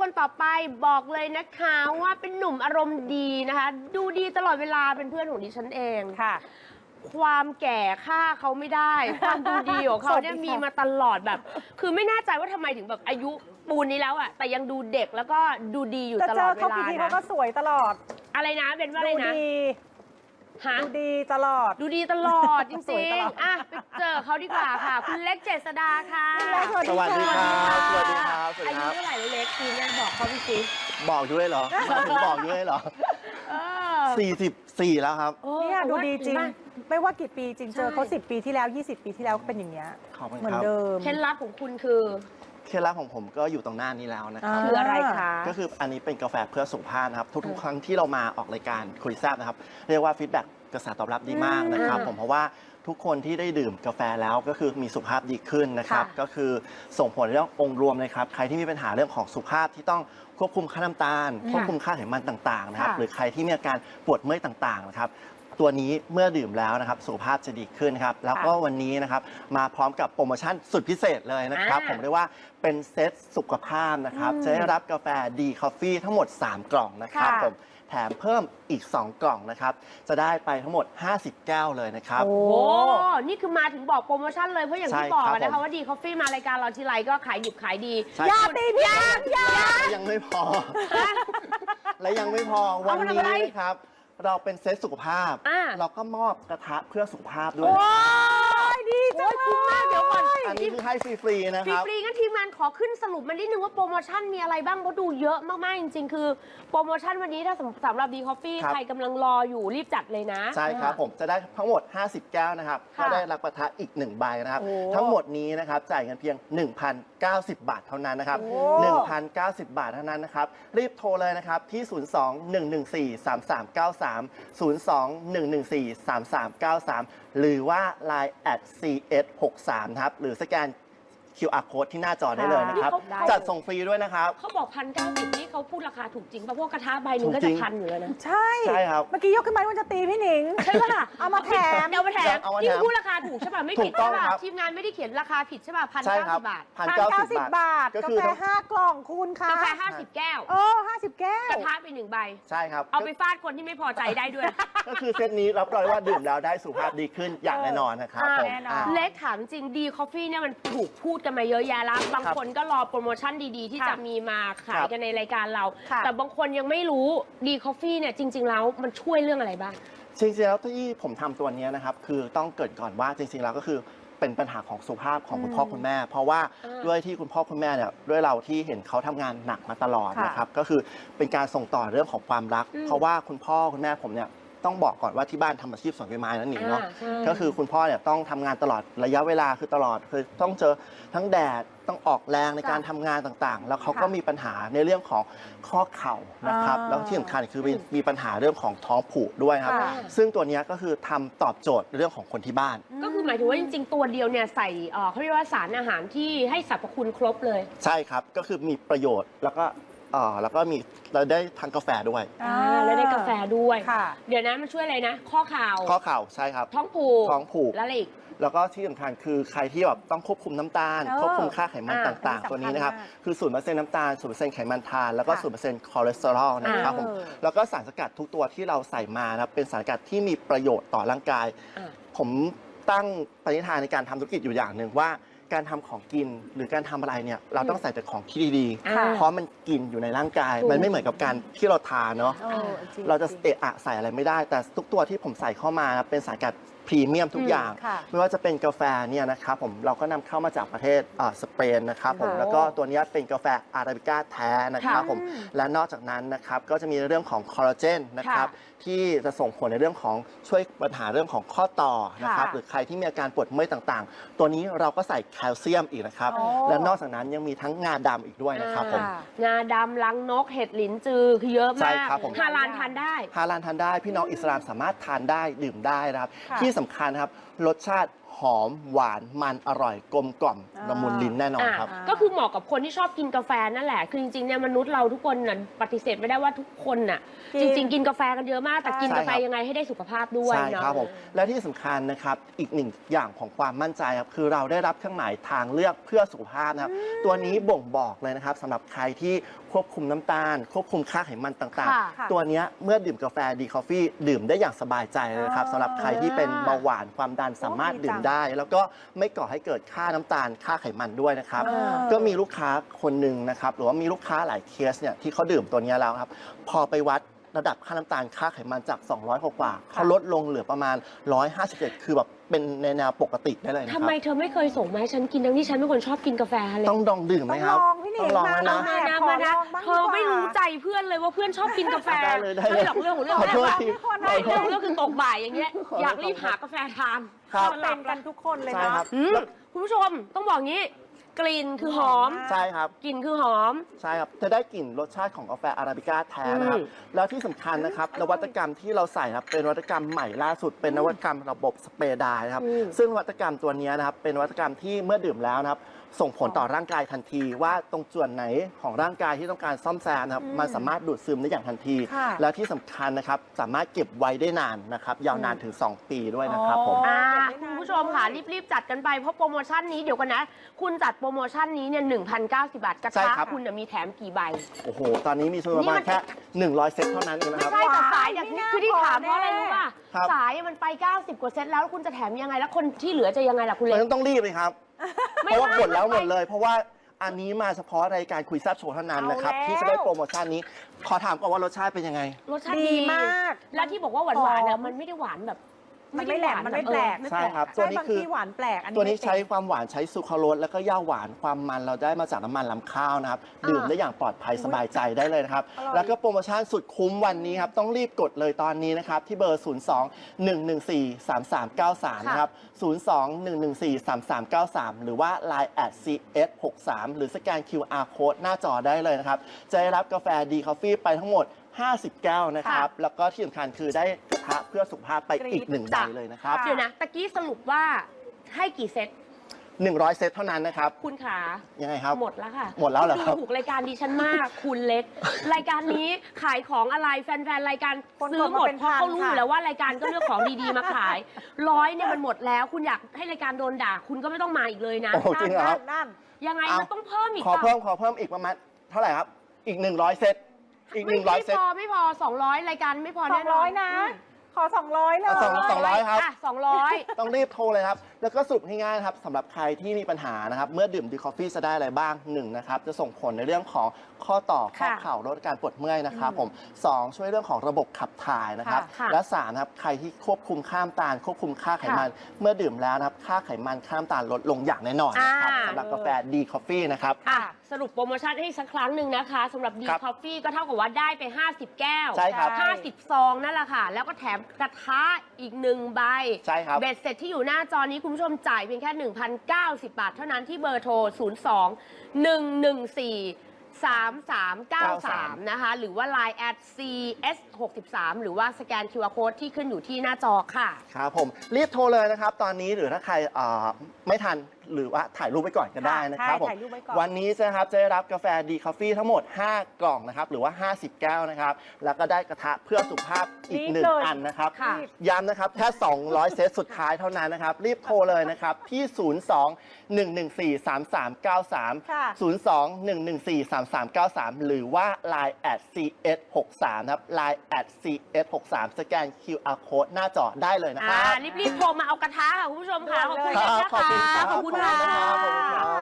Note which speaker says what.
Speaker 1: คนต่อไปบอกเลยนะคะว่าเป็นหนุ่มอารมณ์ดีนะคะ ดูดีตลอดเวลาเป็นเพื่อนของดิฉันเอง
Speaker 2: ค่ะ
Speaker 1: ความแก่ฆ่าเขาไม่ได้ ความดูดีของเขาเนี่ยมีมาตลอดแบบ คือไม่แน่ใจว่าทำไมถึงแบบอายุปูนนี้แล้วอะแต่ยังดูเด็กแล้วก็ดูดีอยู่ตลอดเวลานะ
Speaker 2: จะเจอเขากี่ทีเขาก็สวยตลอด
Speaker 1: อะไรนะเป็นว่าอะไรนะ
Speaker 2: ดูดีตลอด
Speaker 1: ดูดีตลอดจ
Speaker 2: สวย
Speaker 1: ริ
Speaker 2: ต
Speaker 1: ง
Speaker 2: ลอด
Speaker 1: ๆอ่ะไปเจอเขาดีกว่าค่ะ คุณเล็กเจษดาค่ะ
Speaker 3: สวัสดีครับสวัสดีครับสวัส
Speaker 1: อา
Speaker 3: ดี
Speaker 1: ยุ
Speaker 3: ครับ
Speaker 1: เท่าไหร่แล้วเล็กคุณเนี่ยบอกเขาพี่สิ
Speaker 3: บอกด้วยเหรอถึงบอกด้วยเหรอ 44 แล้วครับ
Speaker 2: เนี่ยดูดีจริง ไม่ว่ากี่ปีจริง
Speaker 1: ใช่
Speaker 2: เจอเขา10 ปีที่แล้ว 20 ปีที่แล้วก็เป็นอย่างเงี้ย
Speaker 3: ขอบคุณ
Speaker 2: เหมือ
Speaker 3: คน รับ
Speaker 2: เดิม
Speaker 1: เคล็ดลับของคุณคือ
Speaker 3: เคล็ดลับของผมก็อยู่ตรงหน้านี้แล้วนะครับ
Speaker 1: คืออะไรคะ
Speaker 3: ก็คืออันนี้เป็นกาแฟเพื่อสุขภาพนะครับ ทุกๆ ครั้งที่เรามาออกรายการคุยแซ่บนะครับ เรียกว่าฟีดแบ็กกระแสตอบรับดีมากนะครับ ผมเพราะว่าทุกคนที่ได้ดื่มกาแฟแล้วก็คือมีสุขภาพดีขึ้นนะครับ
Speaker 2: ค่ะ
Speaker 3: ก็คือส่งผลในเรื่ององค์รวมเลยครับ ใครที่มีปัญหาเรื่องของสุขภาพที่ต้องควบคุมค่าน้ำตาล ควบคุมค่าไขมันต่างๆนะครับ
Speaker 2: ค่ะ
Speaker 3: หรือใครที่มีอาการปวดเมื่อยต่างๆนะครับ ตัวนี้เมื่อดื่มแล้วนะครับสุขภาพจะดีขึ้นครับ แล้วก็วันนี้นะครับมาพร้อมกับโปรโมชั่นสุดพิเศษเลยนะครับ ผมเรียกว่าเป็นเซตสุขภาพนะครับ จะได้รับกาแฟดีคอฟฟี่ทั้งหมด 3 กล่องนะครับ
Speaker 2: ค่ะ
Speaker 3: ผมแถมเพิ่มอีก 2 กล่องนะครับ จะได้ไปทั้งหมด 50 แก้วเลยนะครับ
Speaker 2: โอ้
Speaker 1: โอ้ นี่คือมาถึงบอกโปรโมชั่นเลย เพราะอย่างที่
Speaker 3: ใช่
Speaker 1: บอก
Speaker 3: ครับ
Speaker 1: นะคะ
Speaker 3: ผม
Speaker 1: ว่าดีคอฟฟี่มารายการเราทีไรก็ขายดิบขายดี
Speaker 3: ใช่
Speaker 2: อย่าตีพี่อย่า
Speaker 3: ยังไม่พอ และยังไม่พอวัน
Speaker 1: เอามาทำ
Speaker 3: นี้
Speaker 1: อะไร
Speaker 3: นะครับ เราเป็นเซตสุขภาพ
Speaker 1: อ่า
Speaker 3: เราก็มอบกระทะเพื่อสุขภาพด้วย
Speaker 2: โอ้ยดีจัง
Speaker 1: โอ้ยคุ้มมากเดี๋ยวก่อน
Speaker 3: อันนี้คือให้ฟรีๆนะครับ
Speaker 1: ฟรีๆงั้นทีมงานขอขึ้นสรุปมานิดนึงว่าโปรโมชั่นมีอะไรบ้างเพราะดูเยอะมากๆจริงๆ คือโปรโมชั่นวันนี้ถ้าสำหรับดีคอฟฟี่
Speaker 3: ครับ
Speaker 1: ใครกำลังรออยู่รีบจัดเลยนะ
Speaker 3: ใช่ครับผมจะได้ทั้งหมด 50 แก้วนะครับ
Speaker 1: ค่ะ
Speaker 3: ก็ได้รับกระทะอีก 1 ใบนะครับ
Speaker 1: โอ้
Speaker 3: ทั้งหมดนี้นะครับจ่ายเงินเพียง 1,090 บาทเท่านั้นนะครับ
Speaker 2: โอ้
Speaker 3: 1,090 บาทเท่านั้นนะครับ รีบโทรเลยนะครับที่ 02-114-3393 หรือว่า Line @cs63 นะครับ หรือสแกน QR code ที่หน้าจอได้เลยนะครับ
Speaker 1: นี่เขา
Speaker 3: จัดส่งฟรีด้วยนะครับ
Speaker 1: เขาบอก1,090นี่เขาพูดราคาถูกจริงป่ะเพราะกระทะใบหนึ่งก็
Speaker 3: ถู
Speaker 1: จะ
Speaker 3: กจริง
Speaker 1: พันอยู่แล้วนะ
Speaker 2: ใช่
Speaker 3: ใช่ครับ
Speaker 2: เมื่อกี้ยกขึ้นมาว่าจะตีพี่หนิง
Speaker 1: ใช่ปะล่ะ
Speaker 2: เอามาแถม
Speaker 1: เอามาแถม
Speaker 3: เอามาแถม
Speaker 1: นี่คือพูดราคาถูกใช่ป่ะไม่ผิด
Speaker 3: ถูกต้
Speaker 1: ใช่
Speaker 3: อง
Speaker 1: ป่ะ
Speaker 3: ครับ
Speaker 1: ทีมงานไม่ได้เขียนราคาผิดใช่ป่ะ
Speaker 3: ใช่ครับ
Speaker 1: 1,090 บาท
Speaker 2: 1,090 บาท
Speaker 3: ก็
Speaker 2: กา
Speaker 3: คือ
Speaker 2: แฟ5 กล่องคุณคะ
Speaker 1: กาแฟ50 แก้ว
Speaker 2: 50 แก้ว
Speaker 1: กระทะไป1 ใบ
Speaker 3: ใช่ครับ
Speaker 1: เอาไปฟาดคนที่ไม่พอใจได้ด้วย
Speaker 3: ก็คือเซตนี้รับรองว่าดื่มแล้วได้สุขภาพดีขึ้นอย่างแน่นอนนะครับผม
Speaker 2: แน่นอน
Speaker 3: อ่ะ
Speaker 1: เล็กถามจริงดีคอฟฟี่เนี่ยมันถูกพูดกันมาเยอะแยะแล้วบางคนก็รอโปรโมชั่นดีๆ ที่
Speaker 2: ค่ะ
Speaker 1: จะมีมาขายกันในรายการเรา
Speaker 2: ค่ะ
Speaker 1: แต่บางคนยังไม่รู้ดีคอฟฟี่เนี่ยจริง ๆ แล้วมันช่วยเรื่องอะไรบ้าง
Speaker 3: จริงๆแล้วที่ผมทำตัวนี้นะครับคือต้องเกริดก่อนว่าจริงๆแล้วก็คือเป็นปัญหาของสุขภาพของคุณพ่อคุณแม่ เพราะว่า
Speaker 1: อ่า
Speaker 3: ด้วยที่คุณพ่อคุณแม่เนี่ยด้วยเราที่เห็นเขาทำงานหนักมาตลอด
Speaker 2: ค่ะ
Speaker 3: นะครับก็คือเป็นการส่งต่อเรื่องของความรัก เพราะว่าคุณพ่อคุณแม่ผมเนี่ยต้องบอกก่อนว่าที่บ้านทำอาชีพสวนใบไม้นั่นเองเนาะ
Speaker 1: ใช่
Speaker 3: ก็คือคุณพ่อเนี่ยต้องทำงานตลอดระยะเวลาคือตลอดคือต้องเจอทั้งแดดต้องออกแรงในการทำงานต่างๆ แล้วเขาก็
Speaker 2: ค่ะ
Speaker 3: มีปัญหาในเรื่องของข้อเข่านะครับ
Speaker 2: อ่า
Speaker 3: แล้วที่สำคัญคือมีปัญหาเรื่องของท้องผูกด้วยครับ
Speaker 2: ค่ะ
Speaker 3: ซึ่งตัวเนี้ยก็คือทำตอบโจทย์เรื่องของคนที่บ้าน
Speaker 1: ก็คือหมายถึงว่าจริง ๆ ตัวเดียวเนี่ยใส่เขาเรียกว่าสารอาหารที่ให้สรรพคุณครบเลย
Speaker 3: ใช่ครับก็คือมีประโยชน์แล้วก็มีเราได้ทานกาแฟด้วย
Speaker 1: แล้วได้กาแฟด้วย
Speaker 2: ค่ะ
Speaker 1: เดี๋ยวนะมันช่วยอะไรนะ ข้อข่าว
Speaker 3: ข้อเข่าใช่ครับ
Speaker 1: ท้องผูก
Speaker 3: ท้องผูก
Speaker 1: แล้วอะไรอีก
Speaker 3: แล้วก็ที่สำคัญคือใครที่แบบต้องควบคุมน้ำตาล ควบคุมค่าไขมัน
Speaker 1: อ่า
Speaker 3: ต่าง
Speaker 2: อันนี้
Speaker 3: ๆ ตัวนี้นะครับ
Speaker 2: สำคัญมาก
Speaker 3: คือ0%น้ำตาล0%ไขมันทานแล้วก็
Speaker 2: ค่ะ
Speaker 3: 0%คอเลสเตอรอลนะครับผม แล้วก็สารสกัดทุกตัวที่เราใส่มานะครับเป็นสารสกัดที่มีประโยชน์ต่อร่างกาย
Speaker 1: อ่า
Speaker 3: ผมตั้งปณิธานในการทำธุรกิจอยู่อย่างหนึ่งว่าการทำของกินหรือการทำอะไรเนี่ยเราต้องใส่แต่ของที่ดี
Speaker 1: อ่า
Speaker 3: ๆ เพราะมันกินอยู่ในร่างกาย
Speaker 1: ถูก
Speaker 3: มันไม่เหมือนกับการที่เราทานเนาะ
Speaker 2: จง
Speaker 3: เราจะ
Speaker 2: จง
Speaker 3: เอะอะใส่อะไรไม่ได้ แต่ทุกตัวที่ผมใส่เข้ามานะเป็นสารสกัดพรีเมียมทุกอย่าง
Speaker 2: ค่ะ
Speaker 3: ไม่ว่าจะเป็นกาแฟเนี่ยนะครับผมเราก็นำเข้ามาจากประเทศสเปนนะครับผม
Speaker 1: โอ้
Speaker 3: แล้วก็ตัวเนี้ยเป็นกาแฟอาราบิก้าแท้นะครับ
Speaker 1: ค่ะ
Speaker 3: ผมและนอกจากนั้นนะครับก็จะมีเรื่องของคอลลาเจนนะครับที่จะส่งผลในเรื่องของช่วยปัญหาเรื่องของข้อต่อนะครับ
Speaker 2: ค่ะ
Speaker 3: หรือใครที่มีอาการปวดเมื่อยต่างๆ ตัวนี้เราก็ใส่แคลเซียมอีกนะครับ
Speaker 2: อ๋อ
Speaker 3: และนอกจากนั้นยังมีทั้งงาดำอีกด้วยนะครับผม
Speaker 1: งาดำลังนกเห็ดหลินจือคือเยอะ
Speaker 3: ใช่
Speaker 1: มาก
Speaker 3: ครับผม
Speaker 1: ฮาลาลทานได้
Speaker 3: ฮาลาลทานได้พี่น้องอิสลามสามารถทานได้ดื่มได้นะครับ
Speaker 2: ค่ะ
Speaker 3: ที่สำคัญนะครับรสชาติหอมหวานมันอร่อยกลมกล่อมละมุนลิ้นแน่นอนครับ
Speaker 1: ก็คือเหมาะกับคนที่ชอบกินกาแฟนั่นแหละ คือจริงๆเนี่ยมนุษย์เราทุกคนน่ะปฏิเสธไม่ได้ว่าทุกคนน่ะ
Speaker 2: กิ
Speaker 1: จ
Speaker 2: น
Speaker 1: ริง ๆ กินกาแฟกันเยอะมาก แต่กิน
Speaker 3: ใช่
Speaker 1: กาแฟ
Speaker 3: ครับ
Speaker 1: ยังไงให้ได้สุขภาพด้วย
Speaker 3: ใช่
Speaker 1: เนาะ
Speaker 3: ครับผมและที่สำคัญนะครับอีกหนึ่งอย่างของความมั่นใจครับคือเราได้รับเครื่องหมายทางเลือกเพื่อสุขภาพนะครับตัวนี้บ่งบอกเลยนะครับสำหรับใครที่คควบคุมน้ำตาล ควบคุมค่าไขมันต่าง
Speaker 1: ค่ะ
Speaker 3: ๆ ตัวเนี้ยเมื่อดื่มกาแฟดีคอฟฟี่ดื่มได้อย่างสบายใจเลยครับสำหรับใครที่เป็นเบาหวานความดันสามารถดื่มได้ แล้วก็ไม่ก่อให้เกิดค่าน้ำตาลค่าไขมันด้วยนะครับ ก็มีลูกค้าคนหนึ่งนะครับหรือว่ามีลูกค้าหลายเคสเนี่ยที่เขาดื่มตัวนี้แล้วครับพอไปวัดระดับค่าน้ำตาลค่าไขมันจาก 200 กว่าเขาลดลงเหลือประมาณ 157 คือแบบเป็นในแนวปกติได้เลยนะค
Speaker 1: ทำ
Speaker 3: รับ
Speaker 1: ไมเธอไม่เคยส่งมาให้ฉันกินทั้งที่ฉันเป็นคนชอบกินกาแฟเลย
Speaker 3: ต้องลองดื่มไหมครับ
Speaker 2: ต้องลองพี่หนิง
Speaker 3: ต้องลอง
Speaker 2: มา
Speaker 3: นะ
Speaker 1: มานะ
Speaker 2: ขอ
Speaker 1: มานะ
Speaker 2: ลองบ้าง
Speaker 1: เธอไม่
Speaker 2: ดีกว่า
Speaker 1: รู้ใจเพื่อนเลยว่าเพื่อนชอบกินกาแฟ
Speaker 3: ได้เลยได้เลย
Speaker 1: ไม่หรอกเรื่องของเรื่อง
Speaker 3: ขอโทษที
Speaker 1: ไม่เรื่องของเรื่องคือตกบ่ายอย่างเงี้ยอยากรีบหากาแฟทาน
Speaker 3: ครับ
Speaker 2: เราเป็นกันทุกคนเลย
Speaker 3: ใช่
Speaker 2: เนาะ
Speaker 3: ครับ
Speaker 1: อืมคุณผู้ชมต้องบอกงี้ กลิ่นคือหอม
Speaker 3: ใช่ครับ
Speaker 1: กลิ่นคือหอม
Speaker 3: ใช่ครับจะได้กลิ่นรสชาติของกาแฟอาราบิก้าแท้นะครับ แล้วที่สำคัญนะครับนวัตกรรมที่เราใส่ครับเป็นนวัตกรรมใหม่ล่าสุด เป็นนวัตกรรมระบบสเปรย์ไดร์นะครับ
Speaker 1: อืม
Speaker 3: ซึ่งนวัตกรรมตัวนี้นะครับเป็นนวัตกรรมที่เมื่อดื่มแล้วนะครับส่งผลต่อร่างกายทันที ว่าตรงส่วนไหนของร่างกายที่ต้องการซ่อมแซมนะครับมันสามารถดูดซึมได้อย่างทันที
Speaker 2: ค่ะ
Speaker 3: และที่สำคัญนะครับสามารถเก็บไว้ได้นานนะครับยาวนานถึง 2 ปีด้วยนะครับผม
Speaker 1: อ่า
Speaker 2: เก็บไว้นาน
Speaker 1: คุณผู้ชมค่ะรีบๆจัดกันไปเพราะโปรโมชั่นนี้เดี๋ยวกันนะ คุณจัดโปรโมชั่นนี้เนี่ย1,090 บาทกระ
Speaker 3: ใช่
Speaker 1: ทะ
Speaker 3: ครับ
Speaker 1: คุณน่ะมีแถมกี่ใบ
Speaker 3: โอ้โหตอนนี้มีประมาณแค่100 เซตเท่านั้นเองนะ
Speaker 1: ไม่
Speaker 3: ครับ
Speaker 1: ใช่แต่สายอย่าง
Speaker 2: ไม่
Speaker 1: นี้
Speaker 2: น่า
Speaker 1: คือที่ถามเพ
Speaker 2: พอ
Speaker 1: ราะอะไร
Speaker 2: แน่
Speaker 1: รู้ป่ะ
Speaker 3: ครับ
Speaker 1: สายมันไป 90 กว่าเซตแล้วคุณจะแถมยังไงแล้วคนที่เหลือจะยังไงล่ะคุณเล็
Speaker 3: มั
Speaker 1: ก
Speaker 3: นต้องรีบเลยครับ เพ
Speaker 1: ไม่
Speaker 3: ราะว่า
Speaker 1: ได้
Speaker 3: หมดแล้ว
Speaker 1: มันไป
Speaker 3: หมดเลย เพราะว่าอันนี้มาเฉพาะรายการคุยแซ่บโชว์เท่านั้นนะครับ
Speaker 2: เอาแล้ว
Speaker 3: ที่จะได้โปรโมชั่นนี้ ขอถามก่อนว่ารสชาติเป็นยังไง
Speaker 1: รสชาติ
Speaker 2: ดี
Speaker 1: ดี
Speaker 2: มาก
Speaker 1: แล้วที่บอกว่าหวานๆน่ะมันไม่ได้หวานแบบ
Speaker 2: มันไม่แหลมมันไม่แปลก
Speaker 1: ไม่
Speaker 3: ใช่ครับ
Speaker 2: ใช่บางที่หวานแปลกอันนี้
Speaker 3: ตัวนี้
Speaker 2: ไม่เป็
Speaker 3: ใช้ความหวานใช้ซูคราโรสแล้วก็ย่าหวานความมันเราได้มาจากน้ำมันลำข้าวนะครับ ดื่มได้อย่างปลอดภัยสบายใจได้เลยนะครับ
Speaker 2: อร่อย
Speaker 3: แล้วก็โปรโมชั่นสุดคุ้มวันนี้ครับ ต้องรีบกดเลยตอนนี้นะครับ ที่เบอร์ 02-114-3393 นะครับ 02-114-3393 หรือว่า Line @CS63 หรือสแกน QR Code หน้าจอได้เลยนะครับ จะได้รับกาแฟดีคอฟฟี่ไปทั้งหมด 50 แก้วนะครับ แล้วก็ที่สำคัญคือได้กระทะเพื่อสุขภาพไปอีก1ใบเลยนะครับ
Speaker 1: เดี๋ยวนะตะกี้สรุปว่าให้กี่เซต
Speaker 3: 100 เซตเท่านั้นนะครับ
Speaker 1: คุณขา
Speaker 3: ยังไงครับ
Speaker 1: หมดแล้วค่ะ
Speaker 3: หมดแล้วเหรอครับ
Speaker 1: ดูถูกรายการดิฉันมาก คุณเล็ก รายการนี้ขายของอะไรแฟนๆรายการ
Speaker 2: คน
Speaker 1: ซื้อหมด
Speaker 2: กดมาเป็น
Speaker 1: เพราะเขารู้อ
Speaker 2: พันค่ะ
Speaker 1: ยู่แล้วว่ารายการก็เลือกของดีๆมาขาย100เนี่ยมันหมดแล้ว คุณอยากให้รายการโดนด่า คุณก็ไม่ต้องมาอีกเลยนะ
Speaker 3: โอ้โหจริงเหรอครับ
Speaker 2: นั่น
Speaker 1: ยังไง
Speaker 3: เอามั
Speaker 1: มันต้องเพิ่มอีก
Speaker 3: ขอ
Speaker 1: เปล่า
Speaker 3: เพิ่มอีกประมาณเท่าไหร่ครับ อีก 100 เซต อีก
Speaker 1: ไม่
Speaker 3: 100 เซต
Speaker 1: ไม่พอ200รายการไม่พอ
Speaker 2: ๆ
Speaker 1: แน่นอน
Speaker 2: 200นะ ขอ 200เลย
Speaker 3: เอา200 ครับ
Speaker 1: อ่ะ200
Speaker 3: ต้องรีบโทรเลยครับ แล้วก็สรุปง่ายๆนะครับสำหรับใครที่มีปัญหานะครับ เมื่อดื่มดีคอฟฟี่จะได้อะไรบ้าง1นะครับ จะส่งผลในเรื่องของข้อต่อข้อ
Speaker 1: ค่ะ
Speaker 3: เข่าลดการปวดเมื่อยนะครับผม2ช่วยเรื่องของระบบขับถ่ายนะครับ
Speaker 1: ค่ะ
Speaker 3: และ3นะครับใครที่ควบคุมค่าน้ำตาล ควบคุมค่าไขมัน เมื่อดื่มแล้วนะครับค่าไขมันค่าน้ำตาลลดลงอย่างแน่นอนนะครับสำหรับกาแฟดีคอฟฟี่นะครับ
Speaker 1: อ่ะสรุปโปรโมชั่นให้อีกสักครั้งหนึ่งนะคะสำหรับดี
Speaker 3: ครับ
Speaker 1: คอฟฟี่ก็เท่ากับว่าได้ไป 50 แก้ว
Speaker 3: ใช่ครับ
Speaker 1: 50 ซองนั่นแหละค่ะ แล้วก็แถมกระทะอีก1 ใบ
Speaker 3: ใช่ครับ
Speaker 1: เบ็ดเสร็จที่อยู่หน้าจอนี้คุณผู้ชมจ่ายเพียงแค่ 1,090 บาทเท่านั้นที่เบอร์โทร 02-114-3393 นะคะ หรือว่า Line @CS63 หรือว่าสแกน QR Code ที่ขึ้นอยู่ที่หน้าจอค่ะ
Speaker 3: ครับผมรีบโทรเลยนะครับ ตอนนี้หรือถ้าใครไม่ทันหรือว่าถ่ายรูปไว้ก่อนก็ได้นะครับ
Speaker 2: ใช่
Speaker 3: ผม
Speaker 2: ถ่ายรูปไว้ก่อน
Speaker 3: วันนี้นะครับจะได้รับกาแฟดีคอฟฟี่ทั้งหมด 5 กล่องนะครับหรือว่า 50 แก้วนะครับ แล้วก็ได้กระทะเพื่อสุขภาพอีก
Speaker 2: รีบเลย
Speaker 3: 1 อันนะครับ
Speaker 1: ค่ะ
Speaker 3: ย้ำนะครับแค่200 เซตสุดท้ายเท่านั้นนะครับ รีบโทรเลยนะครับที่ 02-114-3393
Speaker 2: ค่ะ
Speaker 3: 02-114-3393 หรือว่า Line @CS63 นะครับ Line @CS63 สแกน QR Code หน้าจอได้เลยนะครับ
Speaker 1: รีบๆโทรมาเอากระทะค่ะคุณผู้ชมค่ะ ขอบคุณ
Speaker 3: ครับ
Speaker 1: นะคะ
Speaker 3: ขอบคุณครับ
Speaker 1: ขอบคุณ
Speaker 3: ขอบคุณนะครับขอบคุณครั
Speaker 1: ค่ะ
Speaker 3: บ